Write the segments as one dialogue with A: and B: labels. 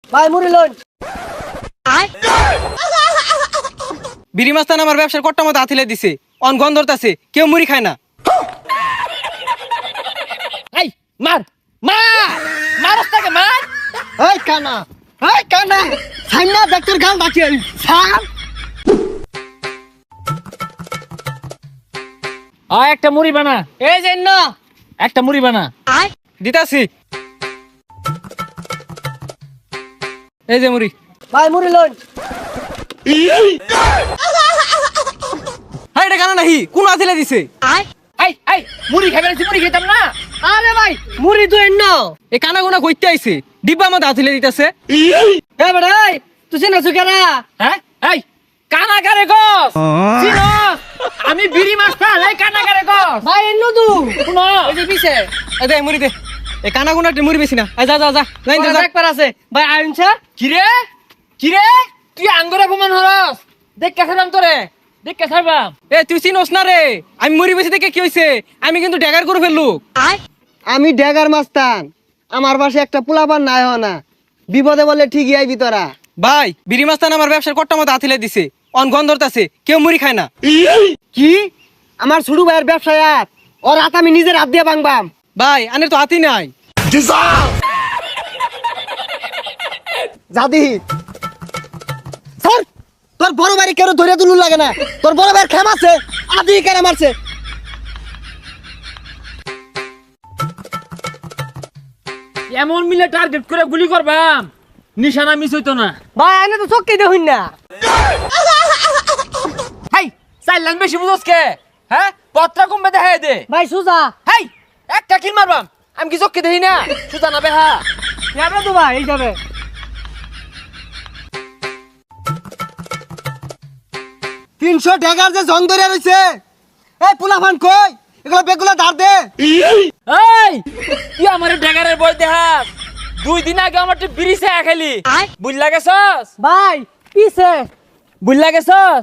A: ভাই মুড়ি লন।
B: বিড়ি মাস্তান আমার ব্যবসার কট্টা মতো আথিলে দিছে, অন গন্ধ ধরতাছে, কেউ মুড়ি খায় না।
C: এই মার মার মারস্তাকে মার।
A: এই কানা, এই কানা, সাইনা ডাক্তার গাল ডাকে সার।
C: একটা মুড়ি বানা,
B: এই যে না
C: একটা মুড়ি বানা।
B: দিতাছি, এই যে মুড়ি।
A: ভাই মুড়ি লন।
B: হ্যাঁ এটা কেন নাহি, কোন আথিলে দিছে?
C: এই এই মুড়ি খাবে না, মুড়ি খেতাম না।
A: আরে ভাই মুড়ি তো এন্ন।
B: এ কানা গোনা কইতে আইছে, ডিব্বা মতো আথিলে দিতেছে।
A: এ বেটা এই তুই চেনা সুকেরা?
C: হ্যাঁ এই কানাকারে গস চিনস? আমি বিড়ি মাস্টার, এই কানাকারে গস।
A: ভাই এন্ন তু
C: শুনো
A: ওই যে পিছে
B: এই দে মুড়ি দে, এ কানা গোনা মুড়ি বেশি না। এই যা যা যা, লাইন যা।
A: একবার আছে ভাই আইন স্যার।
C: কিরে কিরে তুই আঙ্গুরে অপমান হরস? দেখ কেসারাম তোরে, দেখ কেসারবাম।
B: এ তুই চিনস না রে, আমি মুড়ি বেশি দেখে কি হইছে, আমি কিন্তু ড্যাগার করে ফেললু।
A: আমি ড্যাগার মাস্তান, আমার পাশে একটা পোলাপান নাই হয় না, বিপদে বলে ঠিকই আইবি তোরা।
B: ভাই বিড়ি মাস্তান আমার ব্যবসার কট্টা মতো আথিলে দিছে, অন গন্ধ ধরতাছে, কেউ মুড়ি খায় না।
A: কি আমার ছোট ভাইয়ের ব্যবসায় আর ওর হাত আমি নিজের হাত দিয়ে ভাঙবাম।
B: ভাই আনের তো হাতি নাই।
A: জাদি স্যার, তোর বড় ভাই কেন ধরে তুলু লাগে না? তোর বড় ভাইয়ের খেম আছে, আদি কেন মারছে?
C: এমন মিলে টার্গেট করে গুলি করবাম, নিশানা মিস হইতো না।
A: ভাই আইনে তো চক্কি দেখুন না।
C: হাই চাইলাম বেশি বুঝোস কে? হ্যাঁ পত্রা কমবে দেখাই দে।
A: ভাই সুজা
C: হাই একটা কিল মারবাম, আমি কি চোখকে দেখি না? সুজা না বেহা।
A: যাবে তো ভাই, এই যাবে। 300 ড্যাগার যে জং ধরে রইছে, এই পোলাপান কই এগুলো বেগুলা ধার দে।
C: এই তুই আমার ড্যাগারের বই দেখাস? 2 দিন আগে আমার বিড়ি চা খেলি, বুঝলা গেছস?
A: ভাই পিছে
C: বুঝলা গেছস?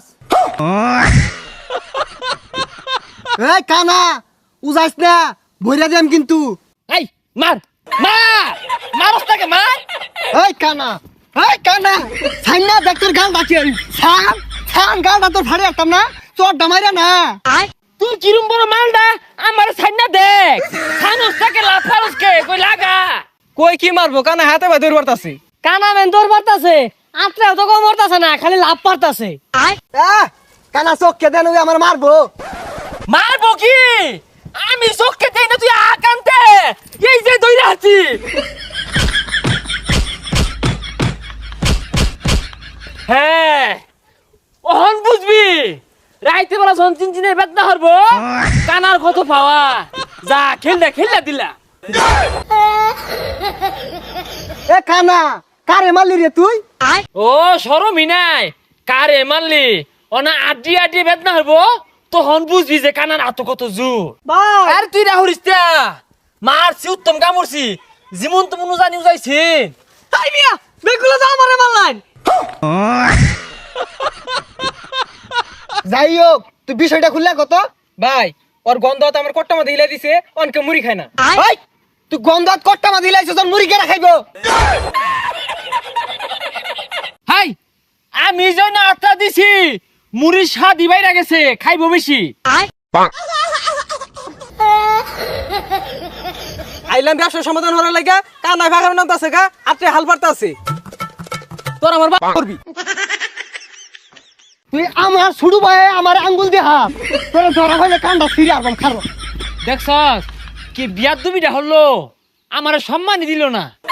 A: এই কানা উজাইস না, ভইরা দেম কিন্তু।
C: এই মার মার মারস্তাকে মার।
A: এই কানা, এই কানা, সাইনা ডাক্তার গাল ডাকে সার। সার গালটা তোর ফাড়ে একদম না, তোর ডামাইরা না।
C: তুই কিরম বড় মালডা আমার সাইনা দেখ, খানস্তাকে লাফারসকে কই লাগা।
B: কই কি মারবো, কানা হাতে ভাই দৌড় বাড়তাছে।
A: কানা মেন তোর পারতাছে, আত্রা তো কম মরতাছে না, খালি লাভ পারতাছে। কানা চোখকে দেন, ওই আমার মারবো।
C: মারবো কি? আমি চোখকে দেই না, তুই আকান্তে এই যে দইরা আছি। হ্যাঁ ওহন বুঝবি, রাইতে বেলা যখন চিনচিনের বেদনা হরবো, কানার কত পাওয়া। যা খেললা খেললা দিলা।
A: এ কানা কারে মারলি রে তুই?
C: ও শরমই নাই, কারে মারলি? অনা আড্ডি আড্ডি বেদনা হরবো, তখন বুঝবি যে কানার আত কত জোর।
A: ভাই
C: আর তুই রাহুরিস তা মারছি, উত্তম কামড়ছি, যেমন তেমন জানি যাইছি।
A: তাই মিয়া বেগুলা যা আমারে মারলাইন। যাই হোক তুই বিষয়টা খুললা কত?
B: ভাই ওর গন্ধ তো আমার কট্টা মতো হিলে দিছে, অনকে মুড়ি খায় না।
A: এই তুই গন্ধাত কট্টা মা দিলাইছ, তোর মুড়ি কেনা খাইবো?
C: হাই আমি যেন আত্মা দিছি, মুড়ির স্বাদ বাইরা গেছে, খাইবো বেশি।
B: আইলাম ব্যবসার সমাধান হওয়ার লাগা, কানা ভাগার নাম আছে গা, আত্রে হাল পারতা আছে। তোর আমার বাপ করবি।
A: তুই আমার ছুড়ু ভাই আমার আঙ্গুল দিয়ে হাত, তোর ধরা হইলে কান্ডা ফিরে আসবাম খারো।
C: দেখছস কি বিয়ার দুবিটা হলো, আমার সম্মানই দিল না।